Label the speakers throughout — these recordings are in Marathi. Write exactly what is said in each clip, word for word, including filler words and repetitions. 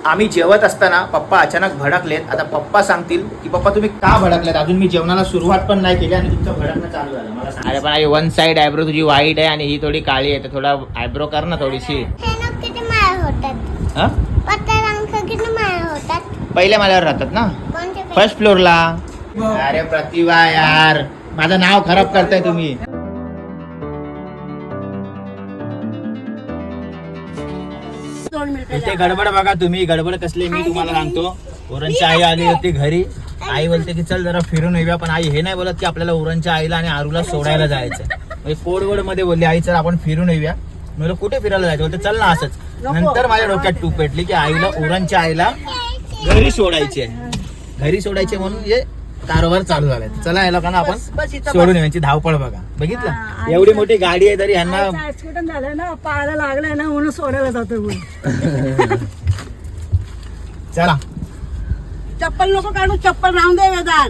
Speaker 1: आम्ही जेवत असताना पप्पा अचानक भडकलेत. आता पप्पा सांगतील की पप्पा तुम्ही का भडकलेत. अजून मी जेवणाला सुरुवात पण नाही केली आणि तुमचं भडकणं चालू झालं. मला सांग. अरे पण आई वन साइड आयब्रो तुझी वाईट आहे आणि ही थोडी काळी आहे, तर थोडा आयब्रो कर ना थोडीशी. हा पहिल्या माळ्यावर राहतात ना, फर्स्ट फ्लोअरला. अरे प्रतिभा यार, माझं नाव खराब करताय तुम्ही. इथे गडबड बघा तुम्ही, गडबड कसली मी तुम्हाला सांगतो. उरणची आई आली होती घरी. आई बोलते की चल जरा फिरून येऊया, पण आई हे नाही बोलत की आपल्याला उरणच्या आईला आणि आरूला सोडायला जायचं. म्हणजे कोडवड मध्ये बोलली आई चल आपण फिरून येऊया. मी कुठे फिरायला जायचं, बोलते चल ना असंच. नंतर माझ्या डोक्यात टूप पेटली की आईला उरणच्या आईला घरी सोडायचे, घरी सोडायचे म्हणून हे कारभार चालू झालाय. चला या लोकांना आपण सोडून यांची धावपळ बघा. बघितलं एवढी मोठी गाडी आहे तरी यांना
Speaker 2: ऍक्सिडेंट झालं ना, पायाला लागलाय ना म्हणून सोडायला जातो.
Speaker 1: चला
Speaker 2: चप्पल नको काढू, चप्पल राहून दे वेदान.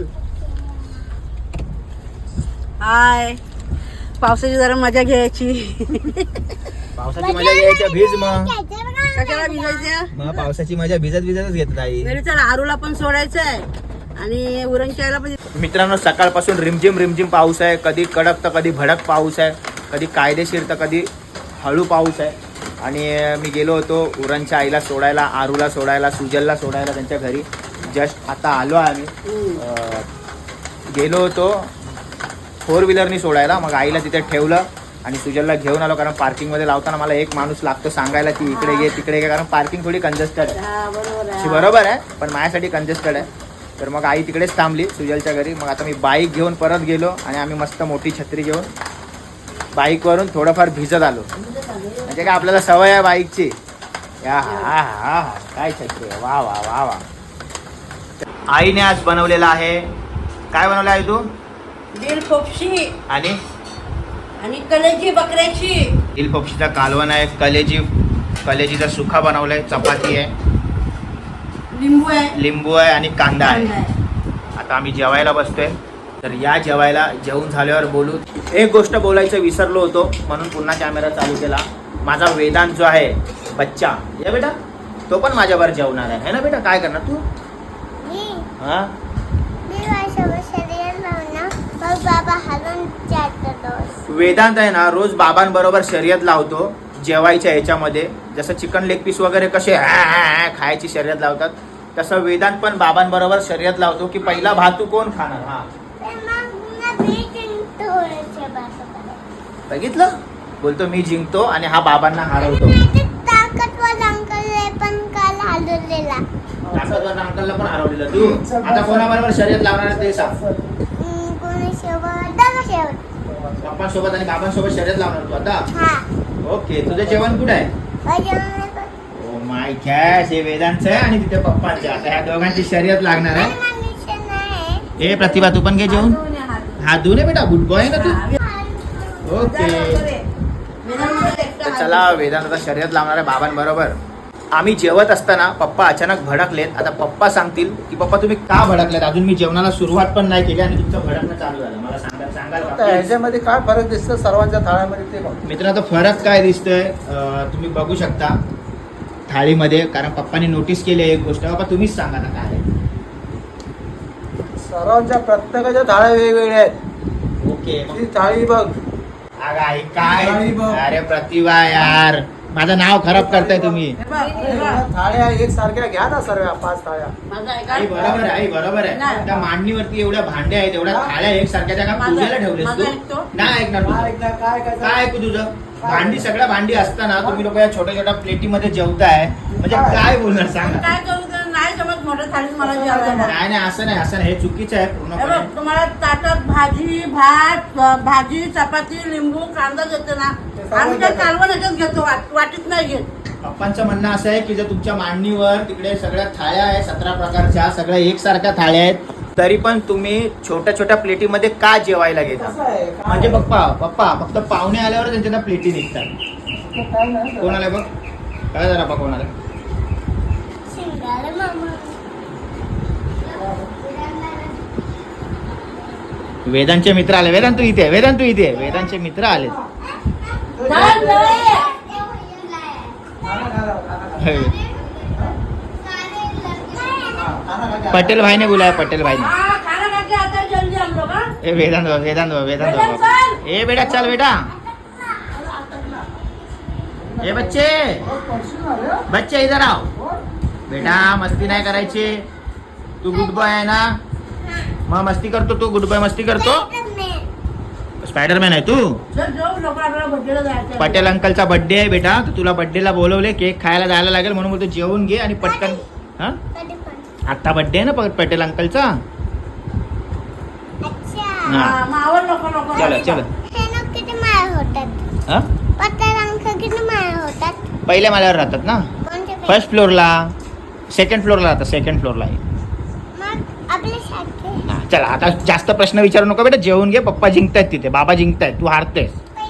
Speaker 2: हाय, पावसाची जरा मजा घ्यायची.
Speaker 1: पावसाची मजा घ्यायची, भिज मग.
Speaker 2: कशाला भिजायचं,
Speaker 1: मग पावसाची मजा भिजत भिजतच घेतात आई.
Speaker 2: चला आरूला पण सोडायचंय आणि उरणच्याला पण.
Speaker 1: मित्रांनो सकाळपासून रिमझिम रिमझिम पाऊस आहे. कधी कडक तर कधी भडक पाऊस आहे, कधी कायदेशीर तर कधी हळू पाऊस आहे. आणि मी गेलो होतो उरणच्या आईला सोडायला, आरूला सोडायला, सुजलला सोडायला त्यांच्या घरी. जस्ट आता आलो आहे आम्ही. गेलो होतो फोर व्हीलरनी सोडायला, मग आईला तिथे ठेवलं आणि सुजलला घेऊन आलो. कारण पार्किंगमध्ये लावताना मला एक माणूस लागतो सांगायला की इकडे घे तिकडे घे, कारण पार्किंग थोडी कंजेस्टेड आहे. बरोबर आहे, पण माझ्यासाठी कंजेस्टेड आहे. तर मग आई तिकडेच थांबली सुजलच्या घरी. मग आता मी बाईक घेऊन परत गेलो आणि आम्ही मस्त मोठी छत्री घेऊन बाईकवरून थोडंफार भिजत आलो. म्हणजे काय आपल्याला सवय आहे बाईकची. या हा हा काय छत्री आहे, वा वा वा वा. आईने आज बनवलेला आहे. काय बनवलं आहे तू?
Speaker 2: दिल फोपशी
Speaker 1: आणि
Speaker 2: आणि कलेजी बकऱ्याची.
Speaker 1: दिल फोपशीचा कालवण आहे, कलेजी कलेजीचा सुखा बनवलाय, चपाती आहे,
Speaker 2: लिंबू आहे,
Speaker 1: लिंबू आहे आणि कांदा आहे. आता आम्ही जेवायला बसतोय. तर या जेवायला जेवून झाल्यावर बोलू. एक गोष्ट बोलायचं विसरलो होतो म्हणून पुन्हा कॅमेरा चालू केला. माझा वेदांत जो आहे बच्चा, या बेटा तो पण माझ्यावर जेवणार आहे ना बेटा. काय करणार तू? हा वेदांत आहे ना रोज बाबांबरोबर शर्यत लावतो जेवायच्या ह्याच्यामध्ये. जसं चिकन लेग पीस वगैरे कसे खायची शर्यत लावतात, तसं वेदांत पण बाबांबरोबर शर्यत लावतो की पहिला भातू कोण खाणार. हा बघितलं, बोलतो मी जिंकतो आणि हा बाबांना हरवतो. ताकदवर अंकलला पण हरवलेलं तू. आता कोणाबरोबर शर्यत लावणार आहे ते सांग. पप्पांसोबत आणि बाबांसोबत शर्यत लावणार तू आता. ओके, तुझं जेवण कुठे आहे? ओ माय गॉड, हे वेदांचं आहे आणि तिथे पप्पांचं. आता ह्या दोघांची शर्यत लागणार आहे. ए प्रतिभा तू पण घे जेवण. हा धुणे बेटा, गुड बॉय ना तू. ओके चला, वेदांत आता शर्यत लावणार आहे बाबांबरोबर. आम्ही जेवत असताना पप्पा अचानक भडकलेत. आता पप्पा सांगतील की पप्पा तुम्ही का भडकलेत. अजून मी जेवणाला सुरुवात पण नाही केली आणि तुमचं भडकणं चालू झालं. मला सांगा सांगाल
Speaker 3: ह्याच्यामध्ये काय फरक दिसतो सर्वांच्या थाळ्यामध्ये ते बघ.
Speaker 1: मित्रांनो फरक काय दिसतोय तुम्ही बघू शकता थाळीमध्ये. कारण पप्पांनी नोटीस केली एक गोष्ट. बाबा तुम्हीच सांगा ना काय.
Speaker 3: सर्वांच्या प्रत्येकाच्या थाळ्या वेगवेगळ्या आहेत.
Speaker 1: ओके
Speaker 3: ती थाळी बघ.
Speaker 1: अरे काय, अरे प्रतिभा यार, माझं नाव खराब करताय तुम्ही.
Speaker 3: थाळ्या एक सारख्या घ्या ना सर्व, पाच थाळ्या.
Speaker 1: आई बरोबर आहे, आई बरोबर आहे. त्या मांडणीवरती एवढ्या भांड्या आहेत, एवढ्या थाळ्या एक सारख्या, त्या का पूजेला ठेवलेस तू? नाही ऐकणार तुझं. काय ऐकू तुझं? भांडी सगळ्या भांडी असताना तुम्ही लोक या छोट्या छोट्या प्लेटीमध्ये जेवताय, म्हणजे काय बोलणार सांगा.
Speaker 2: काय करू, नाही जमत मोठ्या थाळीत मला जेवायला.
Speaker 1: नाही नाही असं नाही, असं नाही, हे चुकीचं आहे पूर्णपणे.
Speaker 2: तुम्हाला ताटात भाजी भात भाजी चपाती लिंबू कांदा देते ना, आम्ही काय कालवण याच्यात घेतो, वाटीत नाही घेत.
Speaker 1: पप्पांचं म्हणणं असं आहे की जर तुमच्या मांडणीवर तिकडे सगळ्या थाळ्या आहेत, सतरा प्रकारच्या सगळ्या एकसारख्या थाळ्या आहेत, तरी पण तुम्ही छोट्या छोट्या प्लेटीमध्ये का जेवायला घेता. म्हणजे पप्पा पप्पा फक्त पाहुणे आल्यावर त्यांच्या प्लेटी निघतात. कोण आलं बघ, काय जरा पप्पा कोण आलं. वेदांचे मित्र आले. वेदांत तू इथे, वेदांत तू इथे, वेदांचे मित्र आले.
Speaker 3: खाना खा के
Speaker 1: पटेल भाई ने बुलाया, पटेल भाई ने.
Speaker 2: हाँ खाना खा के आता है जल्दी हम लोग हाँ?
Speaker 1: ए वेदांत बाबा, वेदांत बाबा, वेदांत
Speaker 2: वेदांत
Speaker 1: बाबा.
Speaker 2: चल.
Speaker 1: ए बेटा चल बेटा. ए बच्चे, बच्चे इधर आओ. बेटा मस्ती नाही करायची. तू गुड बॉय आहे ना? मग मस्ती करतो तू, गुड बॉय मस्ती करतो. स्पायडरमॅन आहे तू.
Speaker 2: चल जाऊ लवकर आपल्याला बड्डेला जायचं आहे.
Speaker 1: पटेल अंकलचा बर्थडे आहे बेटा, तर तुला बर्थडेला बोलवले, केक खायला जायला लागेल म्हणून बोलतो जेवून घे आणि पटकन. हा आता बर्थडे आहे ना प- पटेल अंकलचा. हा
Speaker 2: हा, मग आवर लवकर लवकर.
Speaker 1: चलो चलो.
Speaker 4: किती माळ होतात
Speaker 1: हा
Speaker 4: पत्ता रंग किती माळ होतात
Speaker 1: पहिल्या माल्यावर राहतात ना,
Speaker 4: कोणते
Speaker 1: फर्स्ट फ्लोअरला, सेकंड फ्लोअरला राहतात, सेकंड फ्लोअरला आहे.
Speaker 4: मग आपले सारखे
Speaker 1: हा, चला आता जास्त प्रश्न विचारू नको बेटा, जेवून घे. पप्पा जिंकतायत तिथे, बाबा जिंकतायत, तू हारतेस.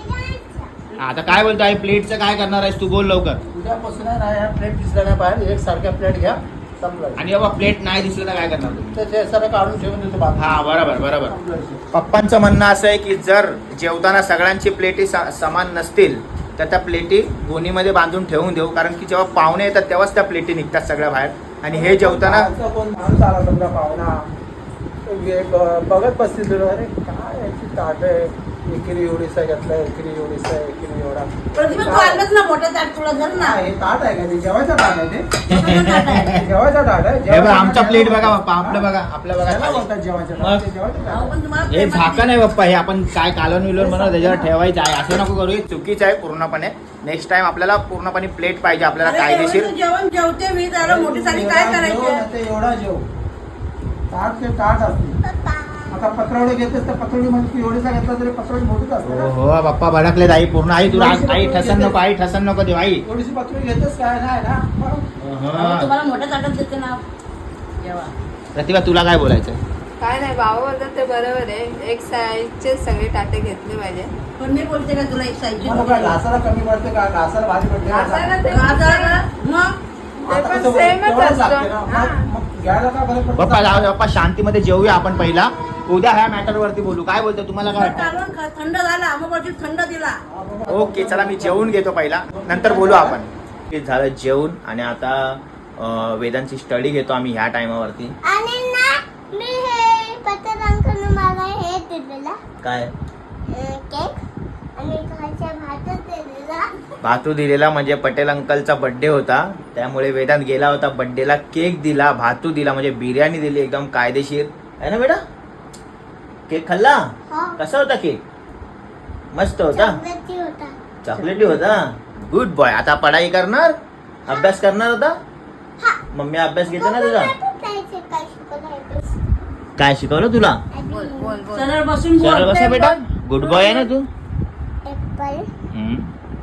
Speaker 4: पहिला
Speaker 1: आता काय बोलतो आहे, प्लेटचं काय करणार आहेस तू, बोल लवकर.
Speaker 3: उद्यापासून आहे ना ह्या प्लेट दिसल्या नाही पाहिजे, एक सारख्या प्लेट घ्या, संपलं.
Speaker 1: आणि बाबा प्लेट नाही दिसलं तर काय करणार तू?
Speaker 3: त्याचे सगळं काढून ठेवून देतो बाजूला.
Speaker 1: हा बरोबर बरोबर.
Speaker 3: संपलं विषय.
Speaker 1: पप्पांचं म्हणणं असं आहे की जर जेवताना सगळ्यांची प्लेटी सा- समान नसतील तर त्या प्लेटी गोणीमध्ये बांधून ठेवून देऊ, कारण की जेव्हा पाहुणे येतात तेव्हाच त्या प्लेटी निघतात सगळ्या बाहेर. आणि हे जेवताना
Speaker 3: बाहेरचा कोण माणूस आला समजा पाहुणा, एक बघत बसतील तुला, अरे काय याची ताट आहे, एकेरी एवढीसा घेतलाय, एकेरी एवढीसा, एकेरी एवढा.
Speaker 2: प्रतिभा तू आणलंच ना मोठं ताट तुला धर ना.
Speaker 3: हा, हे ताट आहे का ते? जेवायचं ताट आहे ते?
Speaker 2: मोठं ताट आहे.
Speaker 3: जेवायचं ताट आहे?
Speaker 1: हे बघ
Speaker 3: जेवायचं
Speaker 1: आमचा
Speaker 3: ताट
Speaker 1: प्लेट
Speaker 3: आहे.
Speaker 1: बघा बाप्पा, आपलं बघा, आपलं बघा
Speaker 3: त्याला
Speaker 1: खाली.
Speaker 3: बोलतात जेवायचं
Speaker 1: मग?
Speaker 3: ताट, ते जेवायचं
Speaker 2: अहो,
Speaker 3: ताट.
Speaker 2: पण तुम्हाला
Speaker 1: हे
Speaker 2: प्रेमाने-
Speaker 1: झाकण आहे बाप्पा, हे आपण काय कालवण विलवण म्हणून त्याच्यावर ठेवायचं आहे, असं नको करू. हे चुकीचं आहे पूर्णपणे. नेक्स्ट टाइम आपल्याला पूर्णपणे प्लेट पाहिजे आपल्याला
Speaker 2: अरे
Speaker 1: कायदेशीर.
Speaker 2: एवढं जेवण जेवते मी जरा मोठी साठी काय
Speaker 3: एवढा जेव,
Speaker 2: करायचं.
Speaker 3: नाहीतर एवढा जेव. ताट ते ताट असते.
Speaker 4: पप्पा
Speaker 3: आता पत्रवडे घेतेस तर पत्रवडी म्हणजे तू एवढीसा घेतला तरी पत्रवडी मोठीच असते
Speaker 1: हो
Speaker 3: ना.
Speaker 1: हो बाप्पा भडकले आई पूर्ण. आई तू राग, आई ठसन नको, आई ठसन नको देऊ आई.
Speaker 3: एवढीशी पत्रवडी घेतेस काय नाही ना.
Speaker 2: अहो,
Speaker 1: अहं.
Speaker 2: तुम्हाला मोठ्या ताटात देते ना जेवा.
Speaker 1: प्रतिभा तुला काय बोलायचं?
Speaker 5: काय नाही, बाबा बोलतात ते बरोबर आहे, एक साईजचे सगळे टाटे घेतले पाहिजे.
Speaker 2: पण मी बोलते का तुला एक साईजची
Speaker 3: मला काय घासाला कमी पडते का? घासाला भारी पडते का?
Speaker 5: घासाला ते-
Speaker 2: मग
Speaker 5: ते
Speaker 3: आता
Speaker 5: पण
Speaker 3: कसं
Speaker 5: सेमच
Speaker 3: तेवढंच लागते
Speaker 5: असतं.
Speaker 3: ना.
Speaker 5: हा.
Speaker 3: मग- मग घ्यायला काय फरक पडतो?
Speaker 1: बाप्पा जाऊ दे बाप्पा, शांतीमध्ये जेवूया आपण पहिला. उद्या ह्या मॅटर वरती बोलू. काय बोलतो, तुम्हाला काय वाटतं?
Speaker 2: कालवण खा- थंड झाला अमोबाची थंड दिला.
Speaker 3: हा, बाबा.
Speaker 1: ओके चला, मी जेवून घेतो पहिला, नंतर बोलू आपण. ते झालं जेवून आणि आता अं, वेदांची स्टडी घेतो आम्ही ह्या टायमावरती.
Speaker 4: आणि ना मी हे पत्ता रंग मला हे दिलेला
Speaker 1: काय
Speaker 4: अं, केक आणि खायच्या भातच दिलेला
Speaker 1: भातू दिलेला, म्हणजे पटेल अंकलचा बर्थडे होता त्यामुळे वेदांत गेला होता बर्थडेला. केक दिला, भातू दिला, म्हणजे बिर्याणी दिली एकदम कायदेशीर आहे ना बेटा. केक खाल्ला?
Speaker 4: हो
Speaker 1: कसा होता केक? मस्त होता,
Speaker 4: चॉकलेटी होता
Speaker 1: चॉकलेटी होता. Good boy. आता पढाई करणार, अभ्यास करणार होता.
Speaker 4: हा.
Speaker 1: मम्मी अभ्यास घेते ना तुझा.
Speaker 4: काय शिकवलं
Speaker 1: काय शिकवलं तुला?
Speaker 5: बोल बोल बोल.
Speaker 2: सरळ बसून
Speaker 1: सरळ
Speaker 2: बोल.
Speaker 1: बसा बेटा, गुड बॉय आहे ना तू.
Speaker 4: ऍपल
Speaker 1: हम्म.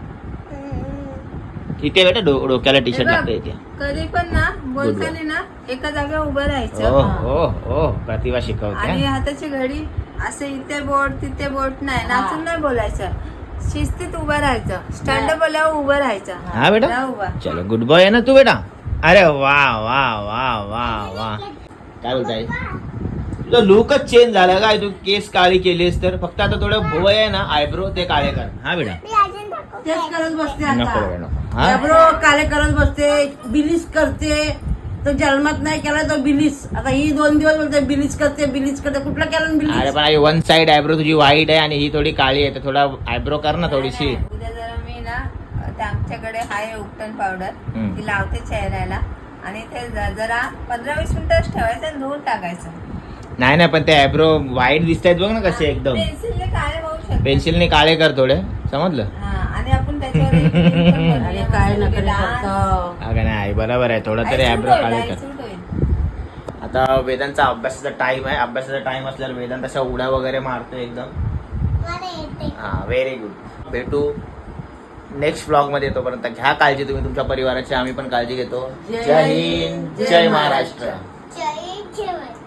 Speaker 1: इथे बेटा डो- डोक्याला टी शर्ट लागतं इथे.
Speaker 5: कधी पण ना बोलताना ना एका जागेवर उभं
Speaker 1: ओ
Speaker 5: राहायचं
Speaker 1: हो हो प्रतिभा शिकवते.
Speaker 5: आणि हाताची घडी असे इथे बोट तिथे बोट नाही, नाचून नाही बोलायचं, शिस्तीत उभं राहायचं. स्टँड अप आल्यावर उभं राहायचं.
Speaker 1: हा बेटा,
Speaker 5: राहा उभा.
Speaker 1: चलो गुड बॉय आहे ना तू बेटा. अरे वा वा वा वा वा. काय बोलताय? तुझा लुकच चेंज झाला काय, तू केस काळी केलीस तर. फक्त आता थोडं भुवय आहे ना, आयब्रो ते काळे कर. हा बेटा
Speaker 4: मी अजून दाखवते.
Speaker 2: तेच करत बसते
Speaker 1: नको
Speaker 2: आता.
Speaker 1: बेटा नको. हा
Speaker 2: एब्रो काले करत बसते, बिलीस करते. तो जन्मात नाही केला तो बिलीस. आता ही दोन दिवस बोलते बिलीस करते बिलीस करते. कुठला केला
Speaker 1: अरे
Speaker 2: बिलीस?
Speaker 1: पण वन साइड आयब्रो तुझी व्हाईट आहे आणि ही थोडी काळी आहे, तर थोडा आयब्रो कर ना थोडीशी.
Speaker 5: नाही, नाही. उद्या जरा मी ना ते आमच्याकडे हाय उपटन पावडर
Speaker 1: हम्म.
Speaker 5: ती लावते चेहऱ्याला आणि ते ज- जरा पंधरा वीस मिनिटच ठेवायचं आणि धुवून टाकायचं.
Speaker 1: नाही नाही, पण ते आयब्रो व्हाईट दिसतायत बघ ना कसे एकदम.
Speaker 5: पेन्सिलने काळे होऊ शकतात.
Speaker 1: पेन्सिलने काळे कर थोडे, समजलं?
Speaker 5: हा, आणि आपण त्याच्यावर एक cream पण बनवूया.
Speaker 2: अरे काय
Speaker 5: मस्त
Speaker 2: नकली
Speaker 5: डान्स.
Speaker 2: करतो.
Speaker 1: अगं नाही, बरोबर आहे, थोडा तरी
Speaker 5: आई सूट
Speaker 1: आयब्रो
Speaker 5: होईल,
Speaker 1: काळे
Speaker 5: आई
Speaker 1: कर.
Speaker 5: सूट होईल.
Speaker 1: आता वेदांचा अभ्यासाचा टाइम आहे. अभ्यासाचा टाइम असल्यावर वेदांत अशा उड्या वगैरे मारतो एकदम.
Speaker 4: मला येते
Speaker 1: हा व्हेरी गुड. भेटू नेक्स्ट ब्लॉग मध्ये. तोपर्यंत घ्या काळजी तुम्ही तुमच्या परिवाराची, आम्ही पण काळजी घेतो.
Speaker 2: जय
Speaker 1: जय हिंद,
Speaker 2: जय
Speaker 1: जय
Speaker 2: महाराष्ट्र.
Speaker 1: महाराष्ट्र.
Speaker 4: जय जेवण